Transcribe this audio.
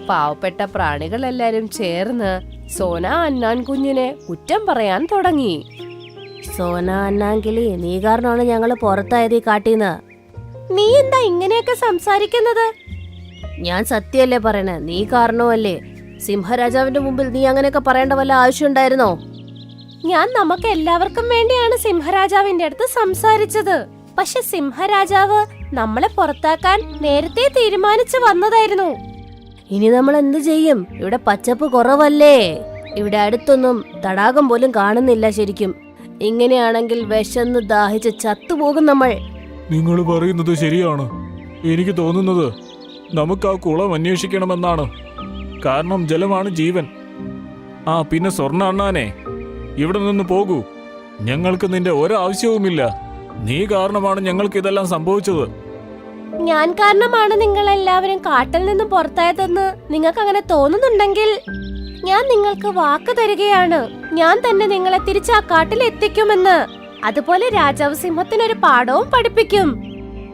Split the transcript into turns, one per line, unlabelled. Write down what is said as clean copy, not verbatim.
പാവപ്പെട്ട പ്രാണികളെല്ലാരും ചേർന്ന് സോന അന്നാൻ കുഞ്ഞിനെ കുറ്റം പറയാൻ തുടങ്ങി.
സോന അന്നാങ്കിളി, നീ കാരണമാണ് ഞങ്ങള് പുറത്തായത് ഈ കാട്ടീന്ന്.
നീ എന്താ ഇങ്ങനെയൊക്കെ സംസാരിക്കുന്നത്?
ഞാൻ സത്യല്ലേ പറയണേ, നീ കാരണമല്ലേ. സിംഹരാജാവിന്റെ മുമ്പിൽ നീ അങ്ങനെയൊക്കെ പറയേണ്ട വല്ല ആവശ്യം ഉണ്ടായിരുന്നോ?
ഞാൻ നമുക്ക് എല്ലാവർക്കും വേണ്ടിയാണ് സിംഹരാജാവിന്റെ അടുത്ത് സംസാരിച്ചത്. പക്ഷെ സിംഹരാജാവ് നമ്മളെ പുറത്താക്കാൻ നേരത്തെ തീരുമാനിച്ചു വന്നതായിരുന്നു.
ഇനി നമ്മൾ എന്ത് ചെയ്യും? ഇവിടെ പച്ചപ്പ് കുറവല്ലേ. ഇവിടെ അടുത്തൊന്നും തടാകം പോലും കാണുന്നില്ല ശരിക്കും. ഇങ്ങനെയാണെങ്കിൽ വിശന്ന് ദാഹിച്ച് ചത്തുപോകും നമ്മൾ.
നിങ്ങൾ പറയുന്നത് ശരിയാണ്. എനിക്ക് തോന്നുന്നത് നമുക്ക് ആ കുളം അന്വേഷിക്കണമെന്നാണ്. കാരണം ജലമാണ് ജീവൻ. പിന്നെ സ്വർണ്ണ അണ്ണാനെ, ഇവിടെ നിന്ന് പോകൂ. ഞങ്ങൾക്ക് നിന്റെ ഒരാവശ്യവുമില്ല. നീ കാരണമാണ് ഞങ്ങൾക്ക് ഇതെല്ലാം സംഭവിച്ചത്.
ഞാൻ കാരണമാണ് നിങ്ങൾ എല്ലാവരും കാട്ടിൽ നിന്നും പുറത്തായതെന്ന് നിങ്ങൾക്ക് അങ്ങനെ തോന്നുന്നുണ്ടെങ്കിൽ ഞാൻ നിങ്ങൾക്ക് വാക്ക് തരികയാണ്. ഞാൻ തന്നെ നിങ്ങളെ തിരിച്ച് ആ കാട്ടിൽ എത്തിക്കുമെന്ന്. അതുപോലെ രാജാവ് സിംഹത്തിനൊരു പാഠവും പഠിപ്പിക്കും.